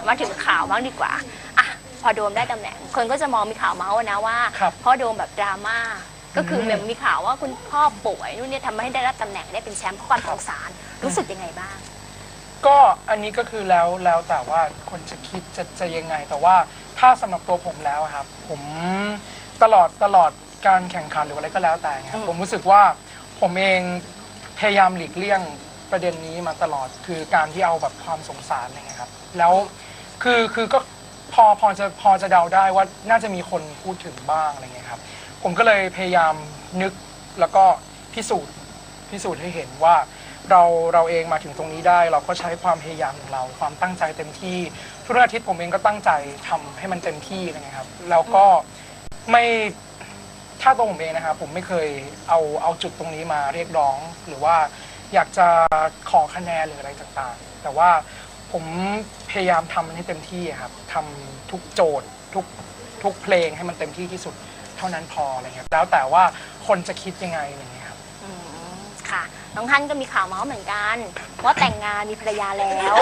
มาถึงข่าวบ้างดีกว่าอ่ะพอโดมได้ตำแหน่งคนก็จะมองมีข่าวเมาส์นะว่าเพราะโดมแบบดราม่าก็คือแบบมีข่าวว่าคุณพ่อป่วยนู่นเนี่ยทำให้ได้รับตำแหน่งได้เป็นแชมป์เพราะความสงสารรู้สึกยังไงบ้างก็อันนี้ก็คือแล้วแต่ว่าคนจะคิดจะยังไงแต่ว่าถ้าสำหรับตัวผมแล้วครับผมตลอดการแข่งขันหรืออะไรก็แล้วแต่ครับผมรู้สึกว่าผมเองพยายามหลีกเลี่ยงประเด็นนี้มาตลอดคือการที่เอาแบบความสงสารอะไรเงี้ยครับแล้วคือก็พอจะเดาได้ว่าน่าจะมีคนพูดถึงบ้างอะไรเงี้ยครับผมก็เลยพยายามนึกแล้วก็พิสูจน์ให้เห็นว่าเราเองมาถึงตรงนี้ได้เราก็ใช้ความพยายามของเราความตั้งใจเต็มที่ทุกอาทิตย์ผมเองก็ตั้งใจทำให้มันเต็มที่อะไรเงี้ยครับแล้วก็ไม่ถ้าตัวผมเองนะครับผมไม่เคยเอาจุดตรงนี้มาเรียกร้องหรือว่าอยากจะขอคะแนนหรืออะไรต่างๆแต่ว่าผมพยายามทำมันให้เต็มที่ครับทำทุกโจทย์ทุกเพลงให้มันเต็มที่ที่สุดเท่านั้นพออะไรเงี้ยแล้วแต่ว่าคนจะคิดยังไงอะไรเงี้ยครับค่ะน้องท่านก็มีข่าวเมาส์เหมือนกันว่าแต่งงานมีภรรยาแล้ว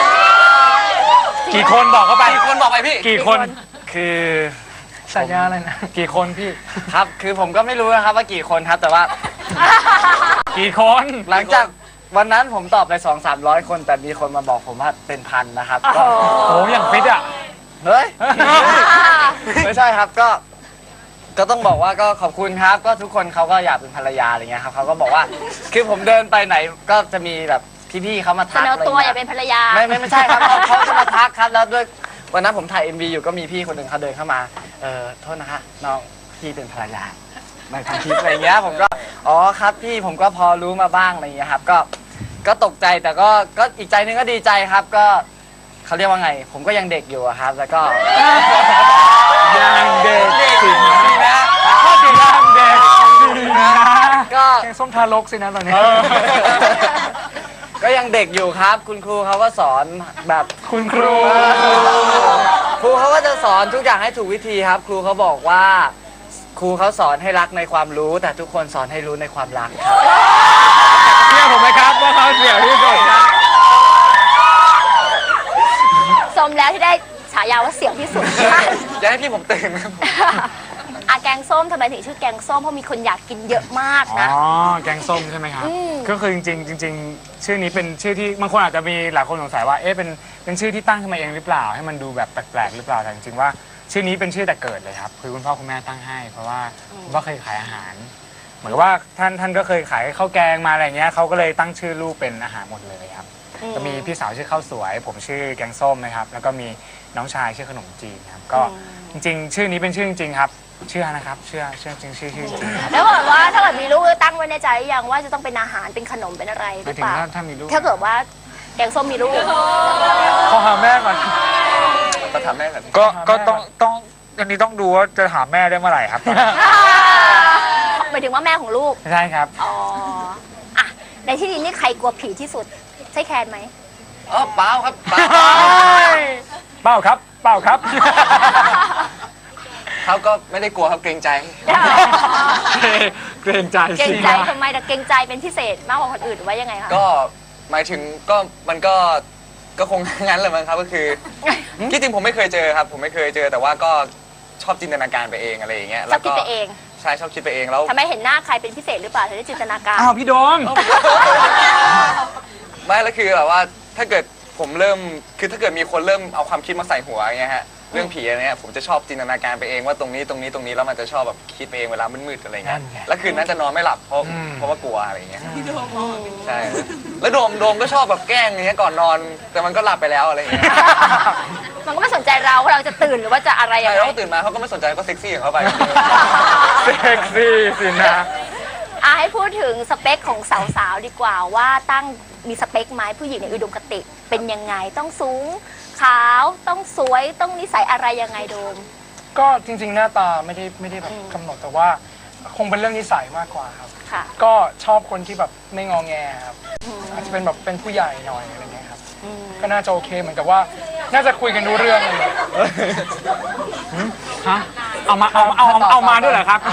กี่คนบอกเข้าไปกี่คนบอกไปพี่กี่คนคือสัญญาอะไรนะกี่คนพี่ครับคือผมก็ไม่รู้นะครับว่ากี่คนครับแต่ว่ากี่คนหลังจากวันนั้นผมตอบไป200-300 คนแต่มีคนมาบอกผมว่าเป็นพันนะครับโอ้โหอย่างฟิตอ่ะเฮ้ยไม่ใช่ครับก็ต้องบอกว่าก็ขอบคุณครับก็ทุกคนเขาก็อยากเป็นภรรยาอะไรเงี้ยครับเขาก็บอกว่าคือผมเดินไปไหนก็จะมีแบบพี่ๆเขามาทักอะไรตัวอยากเป็นภรรยาไม่ใช่ครับเขาจะมาทักครับแล้วด้วยวันนั้นผมถ่าย MV อยู่ก็มีพี่คนหนึ่งเขาเดินเข้ามาโทษนะคะน้องพี่เป็นภรรยาในทางคลิปอะไรเงี้ยผมก็อ๋อครับพี่ผมก็พอรู้มาบ้างอะไรเงี้ยครับก็ตกใจแต่ก็อีกใจนึงก็ดีใจครับก็เขาเรียกว่าไงผมก็ยังเด็กอยู่ครับแล้วก็ยังเด็กสินะก็ถึงยังเด็กนะก็แกงส้มทารกสินะตอนนี้ก็ยังเด็กอยู่ครับคุณครูเขาก็สอนแบบคุณครูครูเขาก็จะสอนทุกอย่างให้ถูกวิธีครับครูเขาบอกว่าครูเขาสอนให้รักในความรู้แต่ทุกคนสอนให้รู้ในความรักครับเชื่อผมไหมครับว่าเขาเสี่ยวที่สุดครับสมแล้วที่ได้ฉายาว่าเสี่ยวที่สุดอย่าให้พี่ผมตื่นครับแกงส้มทำไมถึงชื่อแกงส้มเพราะมีคนอยากกินเยอะมากนะอ๋อแกงส้มใช่ไหมครับก็คือจริงชื่อนี้เป็นชื่อที่บางคนอาจจะมีหลายคนสงสัยว่าเป็นชื่อที่ตั้งขึ้นมาเองหรือเปล่าให้มันดูแบบแปลกๆหรือเปล่าแต่จริงๆว่าชื่อนี้เป็นชื่อแต่เกิดเลยครับคือคุณพ่อคุณแม่ตั้งให้เพราะว่าคุณพ่อเคยขายอาหารเหมือนกับว่าท่านก็เคยขายข้าวแกงมาอะไรเงี้ยเขาก็เลยตั้งชื่อลูกเป็นอาหารหมดเลยครับก็มีพี่สาวชื่อข้าวสวยผมชื่อแกงส้มนะครับแล้วก็มีน้องชายชื่อขนมจีนครับก็จริงๆชื่อนี้เป็นชื่อจริงๆครับเชื่อนะครับเชื่อจริงชื่อจริงแล้วบอกว่าถ้าเกิดมีลูกตั้งไว้ในใจยังว่าจะต้องเป็นอาหารเป็นขนมเป็นอะไรหรือเปล่าถ้ามีลูกถ้าเกิดว่าแกงส้มมีลูกขอหาแม่ก่อนก็ถามแม่ก่อนก็ต้องอันนี้ต้องดูว่าจะหาแม่ได้เมื่อไหร่ครับหมายถึงว่าแม่ของลูกใช่ครับอ๋ออ่ะในที่นี้นี่ใครกลัวผีที่สุดใช่แคนไหมเปล่าครับเปปล่าครับเขาก็ไม่ได้กลัวครับเกรงใจเกรงใจทำไมแต่เกรงใจเป็นพิเศษมากกว่าคนอื่นหรือว่ายังไงคะก็หมายถึงก็มันก็คงงั้นแหละมั้งครับก็คือที่จริงผมไม่เคยเจอครับผมไม่เคยเจอแต่ว่าก็ชอบจินตนาการไปเองอะไรอย่างเงี้ยชอบคิดไปเองใช่ชอบคิดไปเองแล้วทำไมเห็นหน้าใครเป็นพิเศษหรือเปล่าถึงได้จินตนาการอ้าวพี่โดมไม่แล้วคือแบบว่าถ้าเกิดผมเริ่มคือถ้าเกิดมีคนเริ่มเอาความคิดมาใส่หัวอย่างเงี้ยฮะเรื่องผีอะไรเงี้ยผมจะชอบจินตนาการไปเองว่าตรงนี้แล้วมันจะชอบแบบคิดไปเองเวลามืดๆอะไรเงี้ยแล้วคืนนั้นจะนอนไม่หลับเพราะว่ากลัวอะไรเงี้ยใช่แล้วโดมก็ชอบแบบแกล้งอย่างเงี้ยก่อนนอนแต่มันก็หลับไปแล้วอะไรเงี้ยมันก็ไม่สนใจเราว่าเราจะตื่นหรือว่าจะอะไรอย่างเงี้ยเขาตื่นมาเขาก็ไม่สนใจก็เซ็กซี่ของเขาไปเซ็กซี่สินะให้พูดถึงสเปคของสาวๆดีกว่าว่าตั้งมีสเปคไหมผู้หญิงในอุดมคติเป็นยังไงต้องสูงขาวต้องสวยต้องนิสัยอะไรยังไงโดมก็จริงๆหน้าตาไม่ได้แบบกำหนดแต่ว่าคงเป็นเรื่องนิสัยมากกว่าครับก็ชอบคนที่แบบไม่งอแงครับอาจจะเป็นแบบเป็นผู้ใหญ่หน่อยอะไรเงี้ยครับก็น่าจะโอเคเหมือนกับว่าน่าจะคุยกันรู้เรื่องเลยฮะเอามาด้วยเหรอครับ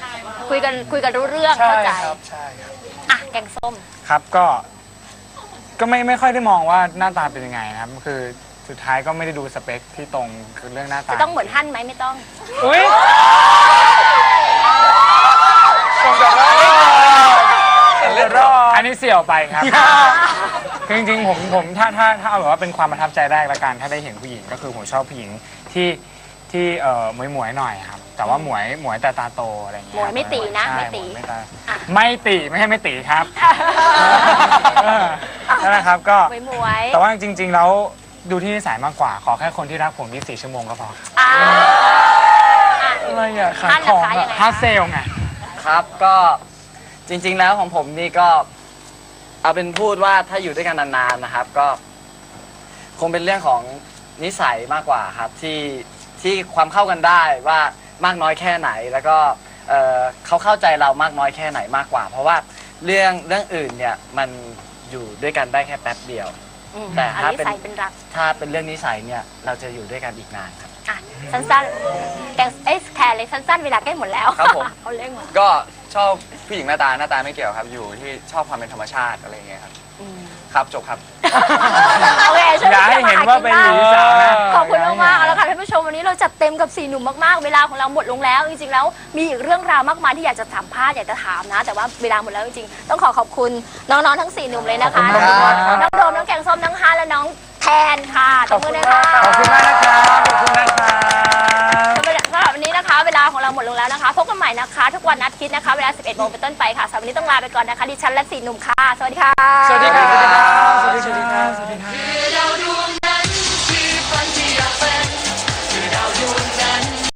คุยกันรู้เรื่องเข้าใจครับใช่ครับแกงส้มครับก็ก็ไม่ค่อยได้มองว่าหน้าตาเป็นยังไงนะครับคือสุดท้ายก็ไม่ได้ดูสเปคที่ตรงคือเรื่องหน้าตาจะต้องเหมือนฮั่นไหมไม่ต้องอุ้ยผมแบบว่าอันนี้เสี่ยวไปครับ คือจริงๆผมถ้าเอาแบบว่าเป็นความประทับใจแรกละกันถ้าได้เห็นผู้หญิงก็คือผมชอบผู้หญิงที่หมวยหน่อยครับแต่ว่าหมวยแต่ตาโตอะไรอย่างเงี้ยหมวยไม่ตีนะใช่ไม่ตีหวยไม่ตีไม่ใช่ไม่ตีครับนั่นแหละครับก็หมวยแต่ว่าจริง ๆ แล้วดูที่นิสัยมากกว่าขอแค่คนที่รักผม24 ชั่วโมงก็พออ่าอะไรอ่ะขายฮั่นของนะคะยัอ่ะงไงฮาร์ดเซลไงครับก็จริง ๆแล้วของผมนี่ก็เอาเป็นพูดว่าถ้าอยู่ด้วยกันนานๆนะครับ ก็คงเป็นเรื่องของนิสัยมากกว่าครับที่ความเข้ากันได้ว่ามากน้อยแค่ไหน แล้วก็เขาเข้าใจเรามากน้อยแค่ไหนมากกว่า เพราะว่าเรื่องอื่นเนี่ยมันอยู่ด้วยกันได้แค่แป๊บเดียว แต่อันถ้านี้เป็นใส่เป็นรักถ้าเป็นเรื่องนิสัยเนี่ยเราจะอยู่ด้วยกันอีกนานครับอ่ะสั้นๆแกงแคร์เลยสั้นๆเวลาใกล้หมดแล้วครับผมเขาเล่นหมดก็ชอบผู้หญิงหน้าตาไม่เกี่ยวครับ อยู่ที่ชอบความเป็นธรรมชาติอะไรอย่างเงี้ยครับ ครับจบครับโอเคช่วยอย่าให้เห็นว่าเป็นหญิงสาวนะขอบคุณมากๆเอาละค่ะท่านผู้ชมวันนี้เราจัดเต็มกับ4หนุ่มมากๆเวลาของเราหมดลงแล้วจริงๆแล้วมีอีกเรื่องราวมากมายที่อยากจะสัมภาษณ์อยากจะถามนะ แต่ว่าเวลาหมดแล้วจริงๆต้องขอบคุณน้องๆทั้ง4หนุ่มเลยนะคะขอบคุณมากครับน้องโดมน้องแกงส้มน้องฮาและน้องแทนค่ะตบมือเลยค่ะขอบคุณมากนะครับขอบคุณนะครับสำหรับวันนี้นะคะ เวลาของเราหมดลงแล้วนะคะพบกันใหม่นะคะทุกวันอาทิตย์นะคะเวลา 11 โมงเป็นต้นไปค่ะสำหรับวันนี้ต้องลาไปก่อนนะคะดิฉันและ4หนุ่มค่ะสวัสดีค่ะสวัสดีครับ สวัสดีครับ สวัสดีครับ